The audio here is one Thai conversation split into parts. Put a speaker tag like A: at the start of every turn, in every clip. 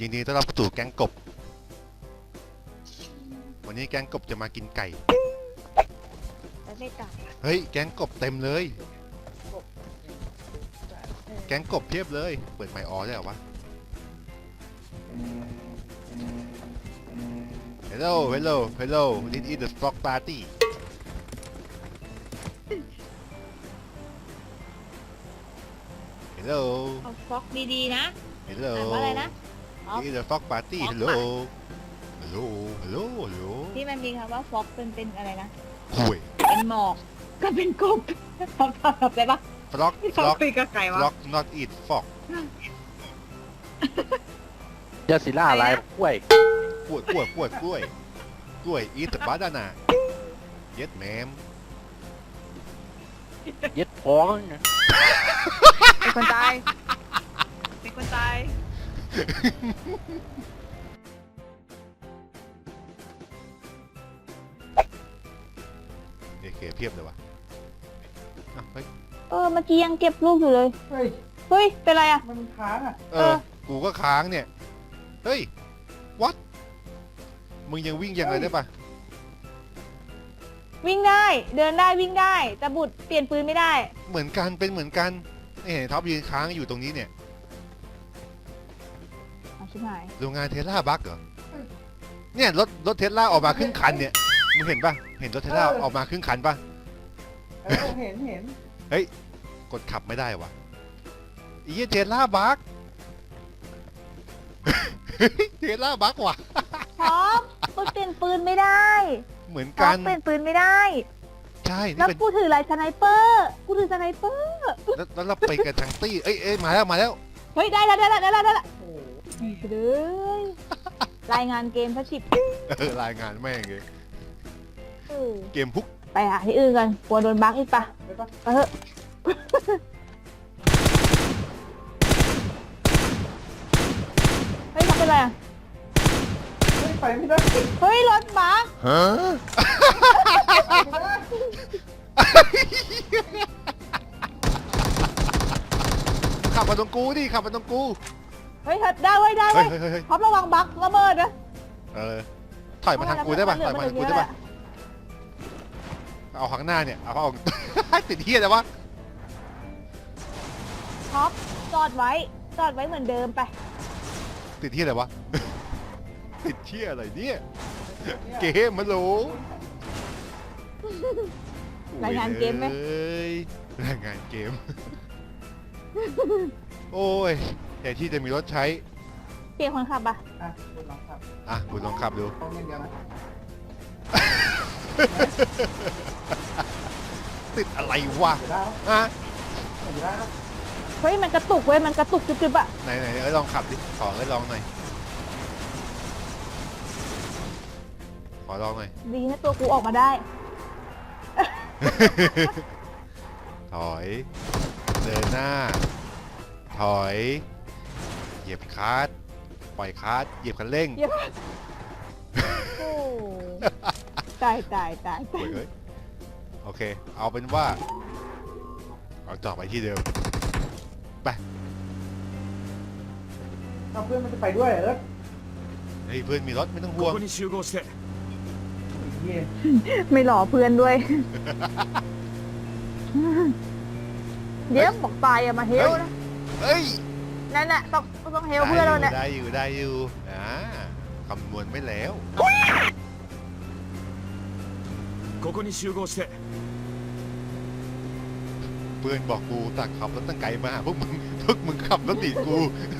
A: ยินดีต้อนรับสู่แก๊งกบวันนี้แก๊งกบจะมากินไก่
B: แล้วไม่ต่าง
A: เฮ้ยแก๊งกบเต็มเลยแก๊งกบเพียบเลยเปิดไมค์ออได้เหรอวะ Hello Hello Hello This is the Frog Party Hello
B: เอาฟ็อกดีๆนะ
A: Hello
B: อ่านว่าอะไรนะ
A: This is the Frog Party
B: Frog
A: Hello Hello Hello Hello
B: ที่มันมีคำว่าฟ็อกเป็นอะไรนะ
A: คุย
B: เป็นหมอกก็เป็นกบทำได้ปะ
A: Frog
B: ที่เขา
A: Frog
B: คุยกับไก่วะ
A: Frog not eat frog
C: ยาสีล่าอะไรกล้วย
A: กล้วย eat the banana yes ma'am
C: เย็ดพ้อง
B: เป็นคนตายเป็นคนตาย
A: เอเคเพียบเลยวะเฮ้ย
B: เมื่อกี้ยังเก็บลูกอยู่เลย
D: เฮ้ย
B: เฮ้ยเป็นไรอ่ะ
D: มันค้างอ่ะ
A: กูก็ค้างเนี่ย เฮ้ย what มึงยังวิ่งยังไงได้ปะ
B: วิ่งได้เดินได้วิ่งได้แต่บุตรเปลี่ยนปืนไม่ได้
A: เหมือนกันเป็นเหมือนกันนี่เห็นท็อปยืนค้างอยู่ตรงนี้เนี่ย
B: เอาชิบหาย
A: โรงงานเทสลาบัคเหรอเนี่ยรถเทสลาออกมาครึ่งคันเนี่ยมึงเห็นปะเห็นรถเทสลาออกมาครึ่งคันปะ
D: เห็น
A: กดขับไม่ได้วะไอ้เหี้ยเทสลาบัค เทสลาบัคว่ะ
B: พร้อมบุตรเปลี่ยนปืนไม่ได้
A: เหมือน
B: พร้อ
A: กั
B: ม
A: น
B: เปลี่ยนปืนไม่ได้
A: ใช่
B: แล้
A: นี่
B: ว
A: เป็น
B: กูถืออะไรสไนเปอร์กูถือสไนเปอร์
A: แล้วเราไปกันทั้งตี้เอ้ยมาแล้ว
B: เฮ้ยได้แล้ว
D: โอ้โห
B: เลยรายงานเกมพัชิบ
A: รายงานแม่งเลย
B: เออ
A: เกมพุก
B: ไปหาที่อื่นกันกลัวโดนบั๊กอีกปะ
D: ไปปะ
B: ไปเถอะเฮ้ยทำเป็นไรอ่ะ
D: เฮ้ยไปไม่ได้
B: เฮ้ยรถบั๊ก
A: ฮะ
D: ไม่ได้
A: ขับมาตรงกูดิขับมาตรงกู
B: เฮ้ยได้เว้ยได้
A: เฮ้
B: เว้
A: ย
B: ย
A: เฮ้ยเฮ้ย
B: พร้อมระวังบั๊กระเบิดนะ
A: ถอยมาทางกูได้ป่ะถอยมาทางกูได้ป่ะ
B: เ
A: เอาข้างหน้าเนี่ยเอาออก ติดเหี้ยแต่วะ
B: ท็อปจอดไว้เหมือนเดิมไป
A: ติดเหี้ยอะไรวะ ติดเหี้ยอะไรเนี่ยเกมมันโหล
B: รายงานเกมไหม
A: เอ้ยรายงานเกม โอ้ยแต่ที่จะมีรถใช้
B: เปลี่ยนคนขับปะ
D: อ่ะคุณลองขับ
A: อ่ะคุณลองขับดู
D: ต้องอย่างเดียวนะ
A: ติดอะไรวะ
D: เดี๋ยวได้
A: ฮะ
D: แล้วเดี๋ยวได้แล้ว
B: เฮ้ยมันกระตุกเว้ยมันกระตุกจุ๊บๆอะ
A: ไหนลองขับดิขอลองหน่อยขอลองหน่อย
B: ดีนะตัวกูออกมาได้
A: ถอย เดินหน้า ถอย เหยียบคลัตช์ปล่อยคลัตช์เหยียบคันเร่ง
B: เยี่ยมโอ้ตาย
A: โอ้ยเอ้ยโอเค เอาเป็นว่า เอาต่อไปที่เดิม ไป
D: เอาเพื่อนมันจะไปด้วยเหรอ
A: เฮ้ยเพื่อนมีรถไม่ต้องห่วง
E: ここに集合して
D: เหี้ย
B: ไม่หล่อเพื่อนด้วย เดี๋ยวบอกตายอะมาเฮลนะ
A: เฮ้ย
B: นั่นแหละต้องเฮลเพื่อนเราเนี่ย
A: ได้อยู่คำนวณไม่แล้ว
E: ここに集合して
A: เพื่อนบอกกูตักขับรถตั้งไกลมาหาพวกมึงขับรถติดกู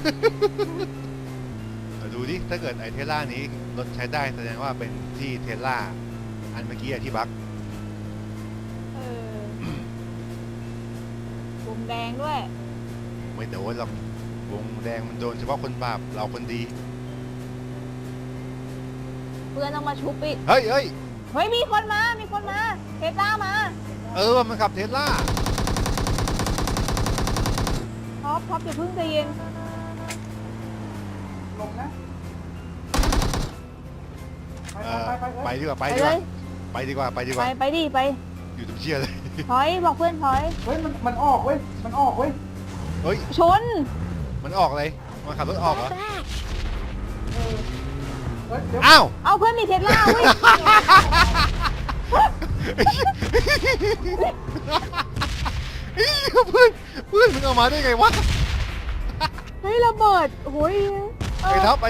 A: ดูดิถ้าเกิดไอเทสลานี้รถใช้ได้แสดงว่าเป็นที่เทสลาอันเมื่อกี้ที่บัก
B: เออวงแดงด้วย
A: ไม่โดนหรอกวงแดงมันโดนเฉพาะคนบาปเราคนดี
B: เพื่อนต้องมาชุบอีก
A: เฮ้ย
B: เฮ้ยมีคนมาเทสลามา
A: มันขับเทสลา
B: ท็อปอย่าเพิ่งใจเย็น
D: ลงนะไป
A: ไปดีกว่า
B: ไปเลย
A: ไปดีกว่า
B: ไปดิไป
A: อยู่ตรงเชี่ยเลย
B: ถอยบอกเพื่อนถอย
D: เฮ้ยมันออกเว้ยมันออกเว้ย
A: เฮ้ย
B: ชน
A: มันออกเลยมันขับรถออกเหรอ
D: เอิร์ธเดี๋ยว
A: อ้าว
B: เอาเพื่อนมีเทสลาเว้ย
A: เพื่อนมึงเอามาได้ไงวะ
B: เฮ้ยระเบิดโอ้ย
A: ไอ้ท็อป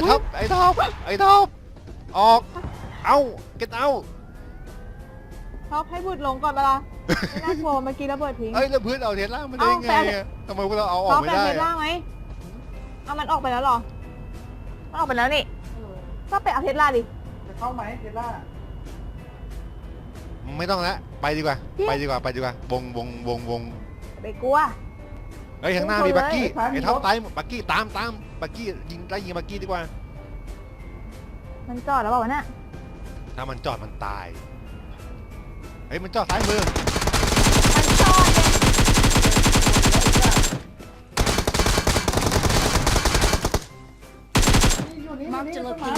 A: ออก เอาเก็ตเอา
B: ท็อปให้บุตรลงก่อนเวลาไม่น่ากลัวเมื่อกี้ระเบิดทิ้ง
A: เอ้ยแล้วเพื่อนเอาเทสลามาได้ไงอะทำไมพวกเราเอาออ
B: ท็อก ป
A: ไม่
B: เป็น
A: ได้
B: เทสลาไหมเอามันออกไปแล้วเหรอมันออกไปแล้วนี่
D: เออ
B: ก็ไปเอาเทสลาดิ
D: จะเข้าไหมเทสลา
A: ไม่ต้องแล้วไปดีกว่า ไปดีกว่าวง
B: ไปกลัว
A: เฮ้ยข้างหน้า
B: ชน
A: มี
B: เลย
A: บักกี้ไอ้ท็อปตายบักกี้ตามบักกี้ยิงบักกี้ดีกว่า
B: มันจอดแล้วเปล่าวะเนี่ย
A: ถ้ามันจอดมันตายเฮ้ยมันจอดซ้ายมือ
B: มันจอดเลย
D: นี่อยู่นี่อยู่นี่ต้นไม้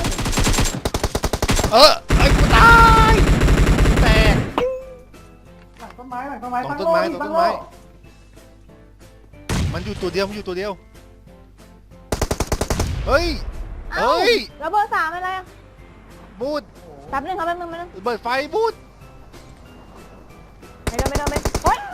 A: ไอ้กูตายแตก
D: หลังต้นไม้หลังต้นไม้
A: ตรง
D: ตั้ง
A: ต้น
D: โล่
A: ไม้
D: ดิ
A: ตรงต้
D: ตั้
A: น
D: ง
A: ไม้
D: โล่
A: มันอยู่ตัวเดียวเฮ้ย
B: เอ้า
A: เฮ้ย
B: ระเบิด3อะไรอะ
A: บูด
B: แป๊บนึงครับแป๊บนึง
A: เบิดไฟบูด
B: ไม่โดนโอ๊ย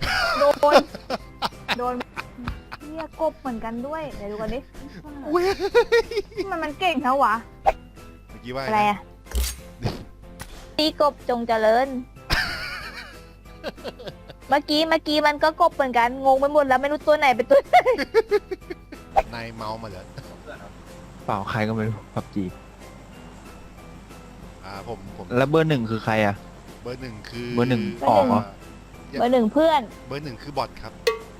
B: โดนเฮียกบเหมือนกันด้วยเดี๋ยวดูกันดิ
A: เว้ย
B: มันเก่งเท่าวะ
A: เมื่อกี้ว่า
B: อะไรอะตีกบจงเจริญ เมื่อกี้มันก็กบเหมือนกันงงไปหมดแล้วไม่รู้ตัวไหนเป็นตัวไหน
A: นายเมามาเหรอ
C: เปล่าใครก็ไม่รู้พับจี
A: ผม
C: แล้วเบอร์หนึ่งคือใครอ่ะ
A: เบอร์หนึ่งคือ
C: เบอร์หนึ่งออกเหรอ
B: เบอร์หนึ่งเพื่อน
A: เบอร์หนึ่งคือบอทครับ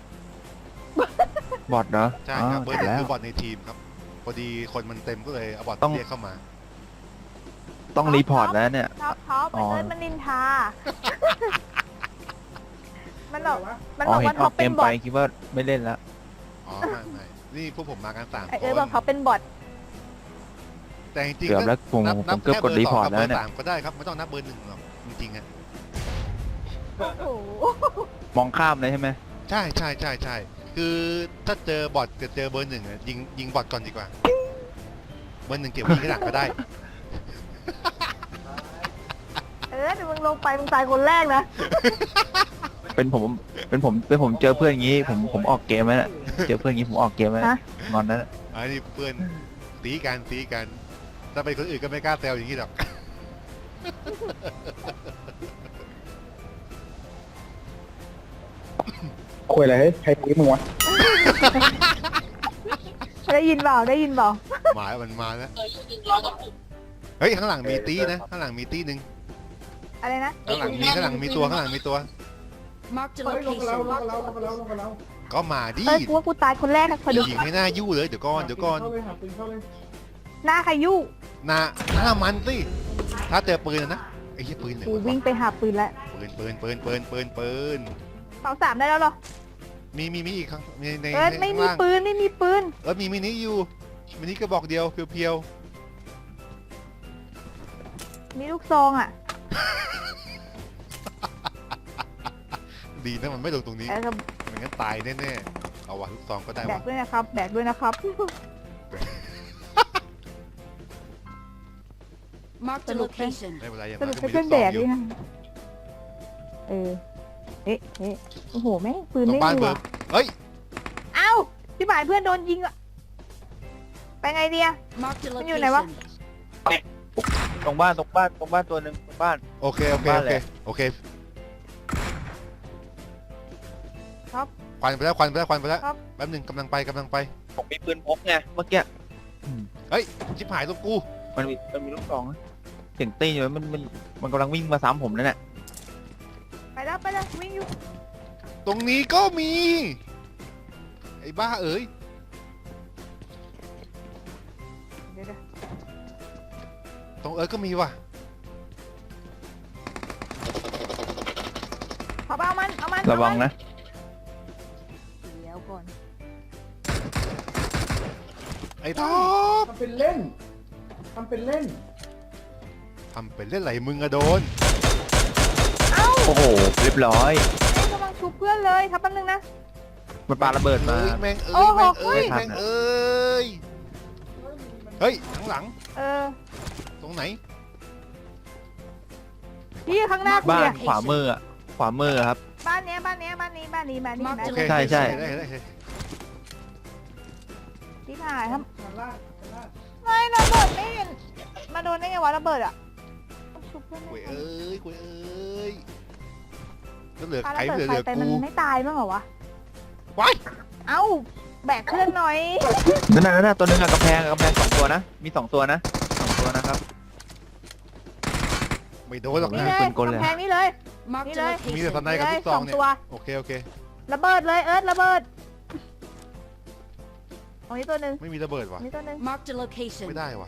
C: บอทเหรอ
A: ใช่ครับ เบอร์หนึ่ง
C: แล้ว
A: คือบอทในทีมครับ พอดีคนมันเต็มก็เลยเอาบอท
C: ต้อง
A: เรียกเข้ามา
C: ต้องรีพอร์ตแล้วเนี่ย
B: ท็อป
C: อ๋อ
B: เอิร์ธมันนินทา มันบอก มัน
C: อ๋
B: บ
C: อ
B: อก
C: เห็
B: ว่าน
C: อ
B: ท็
C: อ
B: อป
C: กเก
B: เป็น
C: ม
B: บ
C: ไป
B: อท
C: คิดว่าไม่เล่นแล้ว
A: อ๋อไม่นี่พวกผมมากัน3
B: ไอ
A: ค
B: เอิร์ธ
A: น
B: บอกท็อปเป็นบอท
A: แต่จริง
C: เกือบแล้วผม
A: นับ
C: เกือบกดรีพอร์ต
A: แค่
C: แล้ว
A: เบอร์
C: เนี่ย
A: 2กับเบอร์3ก็ได้ครับไม่ต้องนับเบอร์ 1หรอกจริงๆอะ
B: โอ้โห
C: มองข้ามเลยใช่ไหม
A: ใช่คือถ้าเจอบอทกับเจอเบอร์ 1อะยิงบอทก่อนดีกว่า เบอร์ 1เก็บไว้ยิงที่หลังก็ได้
B: เอิร์ธเดี๋ยวมึงลงไปมึงตายคนแรกนะ
C: เป็นผมเจอเพื่อนอย่างงี้ผมออกเกมแล้วเนี่ยเจอเพื่อนอย่างงี้ผมออกเกมแล้ว
B: ฮะ
C: งอนแล้ว
A: อันนี้เพื่อนตีกันถ้าเป็นคนอื่นก็ไม่กล้าแซวอย่างนี้หรอก
D: คุยอะไรใครตีมึงวะ
B: ได้ยินเปล่า
A: หมายมันมาแล้วเฮ้ยข้างหลังมีตีนะข้างหลังมีตีหนึ่ง
B: อะไรนะ
A: ข้างหลังมีตัว
F: Marked a
D: เฮ้ยลงกันแล้ว
F: location.
D: ลงกันแล้ว
A: ก็มาดิ
B: เอ้ยกูว่ากูตายคนแรกนะคอยดู
A: ยิงให้หน้ายู่เลยเดี๋ยวก่อน
D: เข้าเลยหาปืนเข้าเลย
B: หน้าใครยุ่
A: หน้ามันสิถ้าเจอปืนนะไอ้เหี้ยปืนไหน
B: กู
A: วะ
B: วิ่งไปหาปืนแล้ว
A: ปืน
B: เสา3ได้แล้วเหรอ
A: มีอีกครั้งใน
B: เอิร์ธไม่มี
A: ข้างล่าง
B: ปืนไม่มีปืน
A: มีมินิอยู่มินิกระบอกเดียวเพียว
B: มีลูกซองอ่ะ
A: ๆดีนะมันไม่ลงตรงนี้
B: เออครับ
A: ไม่งั้นตายแน่ๆเอาวะลูกซองก็ได้
B: แบ
A: วะ
B: กด้วยนะครับ แบกด้วยนะครับ
F: Marked a location.
A: ไม่เป็นไรอย่าง
B: ส
A: น้
B: รุ
A: อ
B: ป
A: ยก็
B: ให้
A: มี
B: เพื่
A: ลู
B: อน
A: กซ
B: แบ
A: อง
B: ก
A: อ
B: ด้
A: ยู่
B: วยนะโอ้โหแม่งปืน
A: ตร
B: ไม่
A: งบ้าน
B: มี
A: เบิร์
B: ว่ะ
A: เฮ้ย
B: เอ้าพี่หมายเพื่อนโดนยิงอ่ะไปไงเดีย
F: Marked a
B: Bên dưới này quá.
F: location.
C: ตรงบ้านตัวหนึ่งตรงบ้าน
A: โอเค
C: บ้านแหละ
B: ครับ
A: ควันไปแล้ว
B: ครับ
A: แป๊บหนึงกำลังไป
C: ผมมีปืนพกไงเมื่อกี้
A: ชิบหายตรงกู
C: มันมีลูกซองนะเสียงตีอยู่มันกำลังวิ่งมาซ้ำผมนั่นแหละ
B: ไปแล้ววิ่งอยู่
A: ตรงนี้ก็มี ไอ้บ้าเอ๋ย
B: เดี๋ยว
A: ตรงก็มีว่ะ
B: ขอเอามัน
C: ระวังนะ
B: เดี๋ยวก่อน
A: ไอ้ท็อป
D: ทำเป็นเล่น
A: ทำเป็นเล่นไหลมึงอะโดน
B: เอ้า
C: โอ้โหเรียบร้อย
B: แม่งกำลังชุบเพื่อนเลยครับแป๊บนึงนะ
C: มันปาระเบิดมา
A: แม่ง
B: โอ้โห
A: เฮ้ย
C: ไม่ทัน
A: เฮ้ยข้างหลัง
B: เออ
A: ตรงไหน
B: พี่ข้างหน้าคุณ
C: บ้าน
B: เนี่ย
C: ขวามืออะขวามือครับ
B: บ้านเนี้ยบ้านนี้
A: โอเค
C: ใช่ใช่
A: ได้
B: ที่ถ่ายครับ
D: ชั้นล่างชั้นล่าง
B: ไม่ระเบิดไม่เห็นมาโดนได้ไงวะระเบิดอ่ะชุบเพื่อน
A: คุย
B: ไม่
A: เอ้ยคุยเอ้ยก็เหลือ
B: ปา
A: ใคร
B: ระเบิ
A: เหลื
B: ด
A: อ
B: ไฟไป
A: กู
B: มันไม่ตายบ้างเหรอวะ
A: ว้าย
B: เอ้าแบกเพื่อนหน่อย
C: นั่นน่ะตัวนึงอะกำแพงสองตัวนะ มีสองตัวนะนะครับ
A: ไม่โดนหรอก
B: นี่
A: นะ
B: เลย
C: ปืนกลเลย
B: กำแพงนี่เลย
F: Marked a
B: Mira.
A: มีแต่ส
F: location.
A: ไนกับลูกซองเนี่ย
B: สองตัว
A: โอเค
B: ระเบิดเลยเอิร์ธระเบิดตรงนี้ตัวหนึ่ง
A: ไม่มีระเบิดว่ะ
B: นี่ตัวหนึ่ง
F: Marked a location.
A: ไม่ได้ว่ะ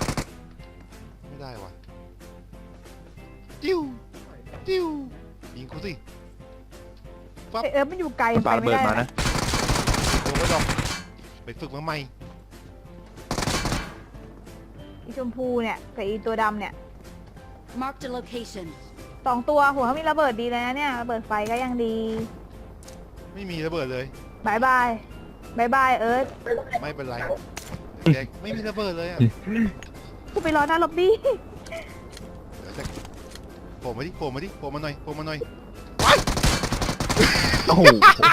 A: จิ้วยิงกูสิ
B: ไอเอิร์ธมันอยู่ไกล
C: มันปาระเบิดมานะ
A: โดนไม่ดอกไปฝึกมาใหม่
B: อีชมพูเนี่ยกับอีตัวดำเนี่ย
F: Marked a location.
B: สองตัวหัวเขามีระเบิดดีเลยนะเนี่ยระเบิดไฟก็ยังดี
A: ไม่มีระเบิดเลย
B: บายบายเอิร์ธ
A: ไม่เป็นไรเด็กไม่มีระเบิดเลยอ่ะ
B: กูไปรอหน้าล็อบบี้
A: เดี๋ยวจะโผล่มาหน่อย
C: โอ้โห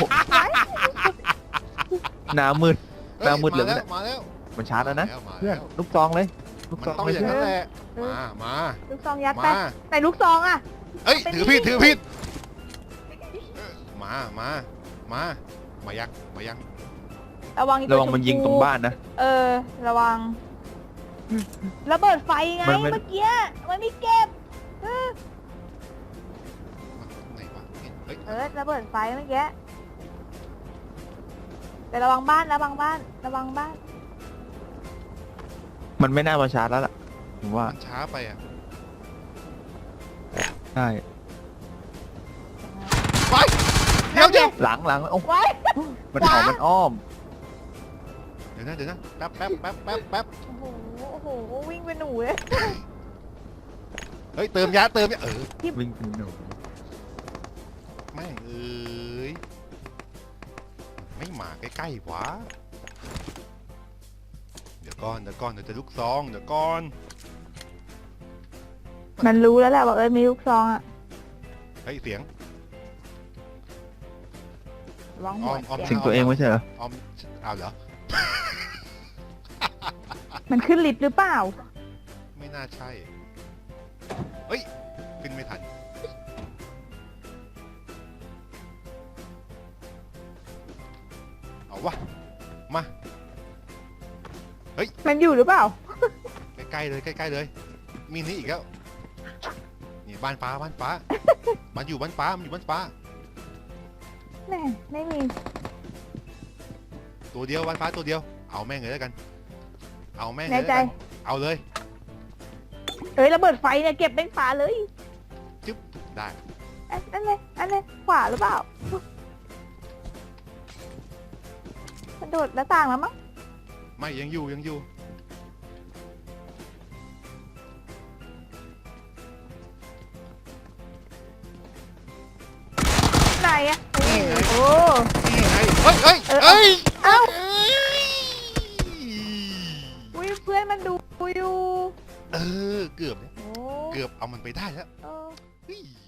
C: หน้ามืด
A: ฮ้
C: หน้ามืดเลย
A: มาแล้ว
C: มันชาร์จแล้วนะ
A: มา
C: เพื่อน
A: แล้ว
C: ลูกซองเลยลูก
A: มัน
C: ซอง
A: ต้อง
C: เลย
A: อย่าง
C: เพื่อน
A: นั้นแหละมา
B: ลูกซองยัดไป
A: มา
B: ไหนลูกซองอ่ะ
A: เอ้ย
B: เป็น
A: ถือ
B: นี่
A: ผิดมายัง
B: ระวังอีตัว
C: ระวังมันยิงตรงบ้านนะ
B: เออระวังระเบิดไฟไง
C: มัน
B: เมื่อกี้มันไม่เก็บ
A: ไหนวะเฮ้ย
B: เออระเบิดไฟเมื่อกี้แต่ระวังบ้าน
C: มันไม่น่ามาชาร์จแล้วล่ะผมว่า
A: มันช้าไปอ่ะ
C: ใช่
A: ไปเดี๋ยว
C: หลังโอ้
B: ไว้
C: มันเผามันอ้อม
A: เดี๋ยวนะแป๊บ
B: โอ้โหวิ่งเป็นหนูเลย
A: เฮ้ยเติมยา
C: วิ่งเป็นหนู
A: แม่งเอ้ยไม่มาใกล้ๆวะเดี๋ยวก่อนเดี๋ยวจะลูกซองเดี๋ยวก่อน
B: มันรู้แล้วแหละว่าเอิร์ธมีลูกซองอะ
A: เฮ้ยเสียง
B: ระวังหัว
A: อ้อม
C: สิงตัวเองไม่ใช่เหรอ
A: ออมเอาเหรอ
B: มันขึ้นลิฟต์หรือเปล่า
A: ไม่น่าใช่เฮ้ยขึ้นไม่ทันเอาวะมา
B: มันอยู่หรือเปล่า
A: ใกล้ๆเลย มีนี่อีกแล้ว นี่บ้านฟ้า มันอยู่บ้านฟ้า
B: แน่ไม่มี
A: ตัวเดียวบ้านฟ้าตัวเดียว เอาแม่งเลยแล้วกัน เอาแม่งเลย
B: แน่
A: แล้ว
B: ใจ
A: กันเอาเลย
B: เอ้ยระเบิดไฟเนี่ยเก็บเป็นฝาเลย
A: จึ๊บได้
B: อันนี้ขวาหรือเปล่ามันโดดหน้าต่างแล้วมั้ง
A: ไม่ยังอยู่
B: ไหนอะโอ้
A: นี่ไงเฮ้ย
B: เอ้า
A: เอ้ย
B: อุ้ยเพื่อนมันดูอยู่
A: เออเกือบเนี่ย
B: โอ้
A: เกือบเอามันไปได้แล้ว
B: เออ
A: เฮ้ย